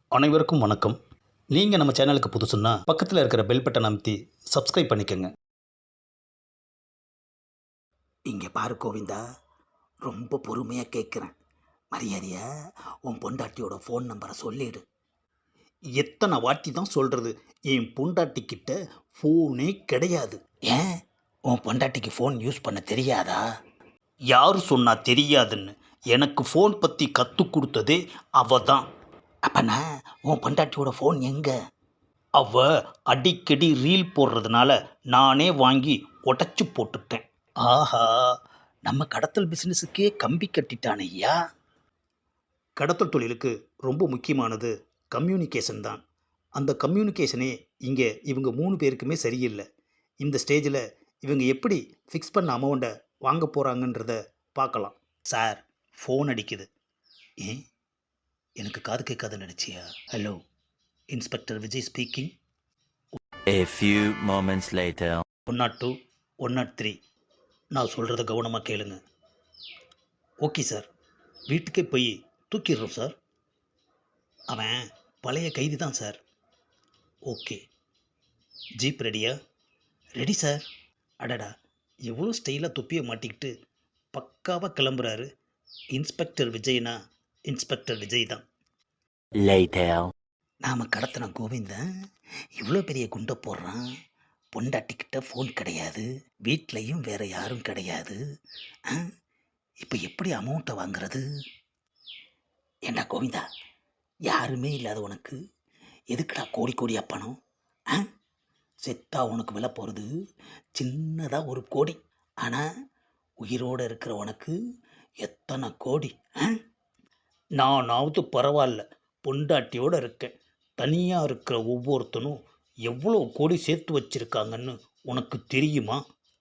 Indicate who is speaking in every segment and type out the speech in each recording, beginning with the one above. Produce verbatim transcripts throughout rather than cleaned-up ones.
Speaker 1: அனைவருக்கும் வணக்கம். நீங்கள் நம்ம சேனலுக்கு புதுசுன்னா பக்கத்தில் இருக்கிற பெல் பட்டன் அமைத்தி சப்ஸ்கிரைப் பண்ணிக்கோங்க.
Speaker 2: இங்கே பாரு கோவிந்தா, ரொம்ப பொறுமையாக கேட்குறேன். மரியாதையா உன் பொண்டாட்டியோட ஃபோன் நம்பரை சொல்லிடு.
Speaker 1: எத்தனை வாட்டி தான் சொல்கிறது, என் பொண்டாட்டிக்கிட்ட ஃபோனே கிடையாது.
Speaker 2: ஏன் உன் பொண்டாட்டிக்கு ஃபோன் யூஸ் பண்ண தெரியாதா?
Speaker 1: யார் சொன்னா தெரியாதுன்னு? எனக்கு ஃபோன் பற்றி கற்றுக் கொடுத்ததே அவ தான்.
Speaker 2: அப்பனா உன் பொண்டாட்டியோட ஃபோன் எங்கே?
Speaker 1: அவ அடிக்கடி ரீல் போடுறதுனால நானே வாங்கி உடச்சி போட்டுட்டேன்.
Speaker 2: ஆஹா, நம்ம கடத்தல் பிஸ்னஸுக்கே கம்பி கட்டிட்டான் ஐயா.
Speaker 1: கடத்தல் தொழிலுக்கு ரொம்ப முக்கியமானது கம்யூனிகேஷன் தான். அந்த கம்யூனிகேஷனே இங்கே இவங்க மூணு பேருக்குமே சரியில்லை. இந்த ஸ்டேஜில் இவங்க எப்படி ஃபிக்ஸ் பண்ண அமௌண்ட்டை வாங்க போகிறாங்கன்றத பார்க்கலாம்.
Speaker 2: சார், ஃபோன் அடிக்குது. ஏன் எனக்கு காது கேட்காதுன்னு நினச்சியா? Hello, inspector Vijay speaking.
Speaker 3: A few moments later.
Speaker 1: One nought two one nought three நான் சொல்கிறத கவனமாக கேளுங்க. ஓகே சார், வீட்டுக்கே போய் தூக்கிடுறோம் சார். அவன் பழைய கைதி தான் சார். ஓகே, ஜீப் ரெடியா?
Speaker 2: Ready sir.
Speaker 1: அடடா, எவ்வளோ ஸ்டைலாக தொப்பியை மாட்டிக்கிட்டு பக்காவாக கிளம்புறாரு. இன்ஸ்பெக்டர் விஜய்னா இன்ஸ்பெக்டர் விஜய் தான்.
Speaker 3: Later.
Speaker 2: நாம் கடத்தின கோவிந்தன் இவ்வளோ பெரிய குண்டை போடுறான். பொண்டாட்டிக்கிட்ட ஃபோன் கிடையாது, வீட்லேயும் வேறு யாரும் கிடையாது. இப்போ எப்படி அமௌண்ட்டை வாங்குறது? ஏண்டா கோவிந்தா, யாருமே இல்லாத உனக்கு எதுக்குடா கோடி கோடியா பணம்? ஆ, செத்தா உனக்கு விலை போகிறது சின்னதாக ஒரு கோடி. ஆனால் உயிரோடு இருக்கிற உனக்கு எத்தனை கோடி? ஆ,
Speaker 1: நானாவது பரவாயில்ல, பொண்டாட்டியோடு இருக்கேன். தனியாக இருக்கிற ஒவ்வொருத்தனும் எவ்வளோ கோடி சேர்த்து வச்சிருக்காங்கன்னு உனக்கு தெரியுமா?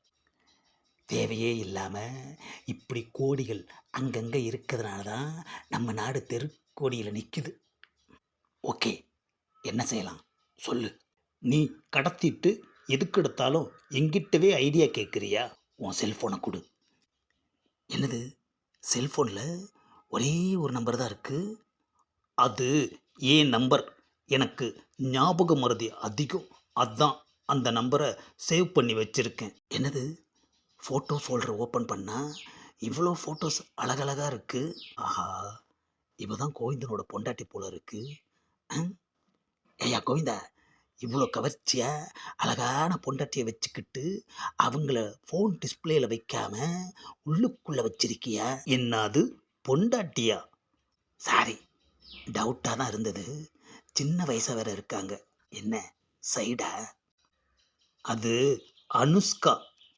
Speaker 2: தேவையே இல்லாமல் இப்படி கோடிகள் அங்கங்கே இருக்கிறதுனால தான் நம்ம நாடு தெருக்கோடியில் நிற்குது. ஓகே, என்ன செய்யலாம் சொல்லு.
Speaker 1: நீ கடத்திட்டு எதுக்கு எடுத்தாலும் எங்கிட்டவே ஐடியா கேட்குறியா?
Speaker 2: உன் செல்ஃபோனை கொடு. என்னது, செல்ஃபோனில் ஒரே ஒரு நம்பர் தான் இருக்குது?
Speaker 1: அது ஏன் நம்பர், எனக்கு ஞாபக மறதி அதிகம். அதான் அந்த நம்பரை சேவ் பண்ணி வச்சுருக்கேன்.
Speaker 2: என்னது, ஃபோட்டோ ஃபோல்டரை ஓப்பன் பண்ணால் இவ்வளோ ஃபோட்டோஸ் அழகழகாக இருக்குது. ஆஹா, இவ தான் கோவிந்தனோட பொண்டாட்டி போல இருக்குது. ஐயா கோவிந்தா, இவ்வளோ கவர்ச்சியாக அழகான பொண்டாட்டியை வச்சுக்கிட்டு அவங்கள ஃபோன் டிஸ்பிளேயில் வைக்காம உள்ளுக்குள்ளே வச்சிருக்கியா?
Speaker 1: என்னது, பொண்டாட்டியா?
Speaker 2: சாரி, டவுட்டாக தான் இருந்தது. சின்ன வயசாக வேறு இருக்காங்க. என்ன சைடா?
Speaker 1: அது அனுஷ்கா.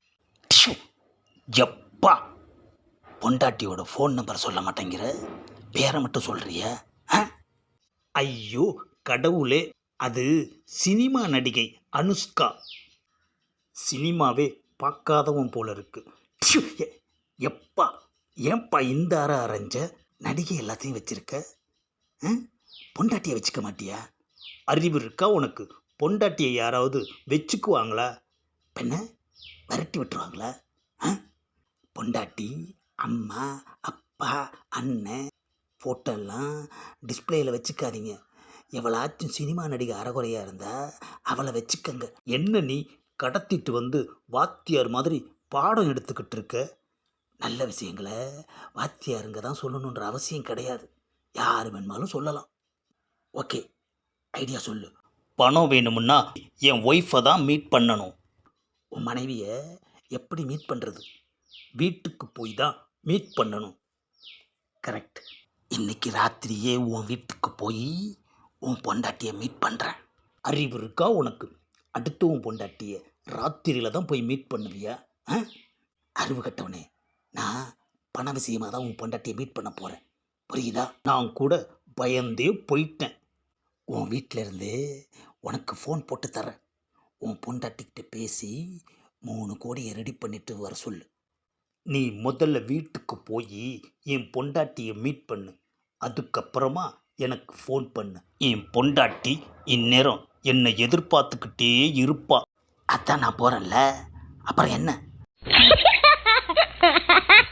Speaker 2: எப்பா, பொண்டாட்டியோட ஃபோன் நம்பர் சொல்ல மாட்டேங்கிற, பேரை மட்டும் சொல்கிறிய?
Speaker 1: ஐயோ கடவுளே, அது சினிமா நடிகை அனுஷ்கா. சினிமாவே பார்க்காதவன் போல இருக்கு.
Speaker 2: எப்பா, ஏன்பா இந்த அற அரைஞ்ச? நடிகை எல்லாத்தையும் வச்சிருக்க, பொண்டாட்டியை வச்சுக்க மாட்டியா?
Speaker 1: அறிவு இருக்கா உனக்கு? பொண்டாட்டியை யாராவது வச்சுக்குவாங்களா?
Speaker 2: பெண்ண விரட்டி விட்டுருவாங்களா? பொண்டாட்டி, அம்மா, அப்பா, அண்ணன் ஃபோட்டோலாம் டிஸ்பிளேயில் வச்சுக்காதீங்க. எவளாச்சும் சினிமா நடிகை அறகுறையாக இருந்தால் அவளை வச்சுக்கங்க.
Speaker 1: என்ன நீ கடத்திட்டு வந்து வாத்தியார் மாதிரி பாடம் எடுத்துக்கிட்டு இருக்க?
Speaker 2: நல்ல விஷயங்களை வாத்தியாருங்க தான் சொல்லணுன்ற அவசியம் கிடையாது, யார் வேணுமாலும் சொல்லலாம். ஓகே, ஐடியா சொல்லு.
Speaker 1: பணம் வேணுமுன்னா என் ஒய்ஃபை தான் மீட் பண்ணணும்.
Speaker 2: உன் மனைவியை எப்படி மீட் பண்ணுறது?
Speaker 1: வீட்டுக்கு போய் தான் மீட் பண்ணணும்.
Speaker 2: கரெக்ட். இன்னைக்கு ராத்திரியே உன் வீட்டுக்கு போய் உன் பொண்டாட்டியை மீட் பண்ணுறேன்.
Speaker 1: அறிவு இருக்கா உனக்கு? அடுத்து உன் பொண்டாட்டியை ராத்திரியில் தான் போய் மீட் பண்ணுவியா?
Speaker 2: ஆ, அறிவு கட்டவனே, நான் பண விஷயமாக தான் உன் பொண்டாட்டியை மீட் பண்ண போகிறேன், புரியுதா?
Speaker 1: நான் கூட பயந்தே போயிட்டேன்.
Speaker 2: உன் வீட்டிலேருந்து உனக்கு ஃபோன் போட்டு தரேன். உன் பொண்டாட்டிக்கிட்ட பேசி மூணு கோடியை ரெடி பண்ணிட்டு வர சொல்லு.
Speaker 1: நீ முதல்ல வீட்டுக்கு போய் என் பொண்டாட்டியை மீட் பண்ணு, அதுக்கப்புறமா எனக்கு ஃபோன் பண்ணு. என் பொண்டாட்டி இந்நேரம் என்னை எதிர்பார்த்துக்கிட்டே இருப்பா.
Speaker 2: அதான் நான் போகிறேன்ல, அப்புறம் என்ன?